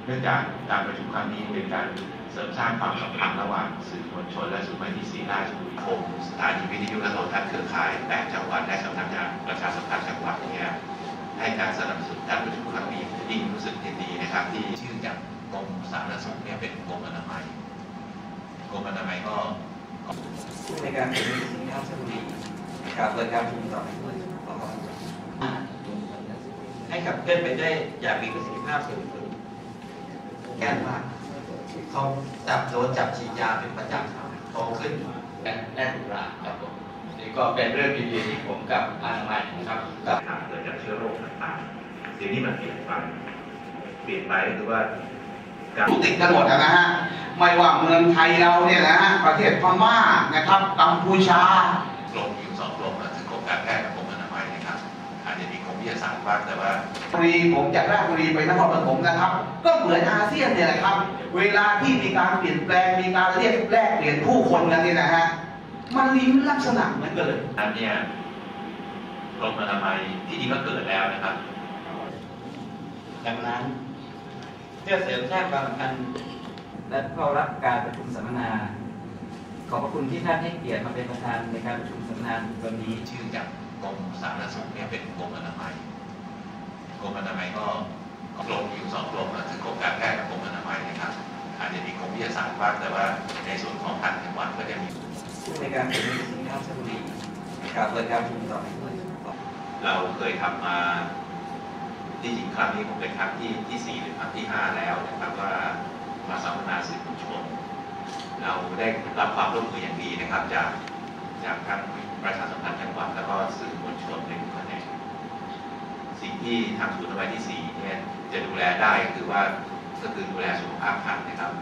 เนื่องจากการประชุมครั้งนี้เป็นการเสริมสร้างความสัมพันธ์ระหว่างสื่อมวลชนและศูนย์วิทยุศรีราชบุรีคมสถานีวิทยุและโทรทัศน์เครือข่าย8จังหวัดและสำนักงานประชาสัมพันธ์จังหวัดเนี่ยให้การสนับสนุนการประชุมครั้งนี้ยิ่งรู้สึกยินดีนะครับที่ชื่อจากกรมสาธารณสุขเนี่ยเป็นกรมอนามัยก็ในการเป็นสินค้าชลบุรีการเปิดการประชุมต่อให้ขับเคลื่อนไปได้อย่างมีประสิทธิภาพสูงสุดแก้มากเขาจับฉีดยาเป็นประจำโตขึ้นแน่นหนาครับผมนี่ก็เป็นเรื่องดีๆที่ผมกับอนามัยนะครับกับเกิดจากเชื้อโรคต่างๆสิ่งนี้มันเปลี่ยนไปก็คือว่าติดกันหมดนะฮะไม่ว่าเมืองไทยเราเนี่ยนะฮะประเทศพม่านะครับกัมพูชากรมอยู่2กรมคือกรมการแพทย์กับกรมอนามัยนะครับอาจจะมีกรมวิทยาศาสตร์บ้างแต่ว่าผมจากราชบุรีไปนครปฐมนะครับก็เหมือนอาเซียนเนี่ยแหละครับเวลาที่มีการเปลี่ยนแปลงมีการเรียกแลกเปลี่ยนผู้คนกันเนี่ยนะฮะมันมีลักษณะเหมือนกันเลยอันนี้กรมอนามัยที่จริงก็เกิดแล้วนะครับดังนั้นเพื่อเสริมสร้างความสัมพันธ์และเข้ารับการประชุมสัมมนาขอบพระคุณที่ท่านให้เกียรติมาเป็นประธานในการประชุมสัมมนาวันนี้ชื่อจากกรมสาธารณสุขเนี่ยเป็นกรมอนามัยก็กรมอยู่2กรมคือกรมการแพทย์กับกรมอนามัยนะครับอาจจะมีกรมวิทยาศาสตร์บ้างแต่ว่าในส่วนของต่างจังหวัดก็จะมีในการเป็นสินค้าชลบุรีการเปิดการประชุมต่อเราเคยทำมาที่จริงครั้งนี้ผมเป็นครั้งที่4หรือครั้งที่5แล้วนะครับว่ามาสัมมนาสื่อมวลชนเราได้รับความร่วมมืออย่างดีนะครับจากทั้งประชาสัมพันธ์จังหวัดแล้วก็สื่อมวลชนในทุกแขนงสิ่งที่ทางศูนย์อนามัยที่4เนี่ยจะดูแลได้ก็คือดูแลสุขภาพท่านนะครับ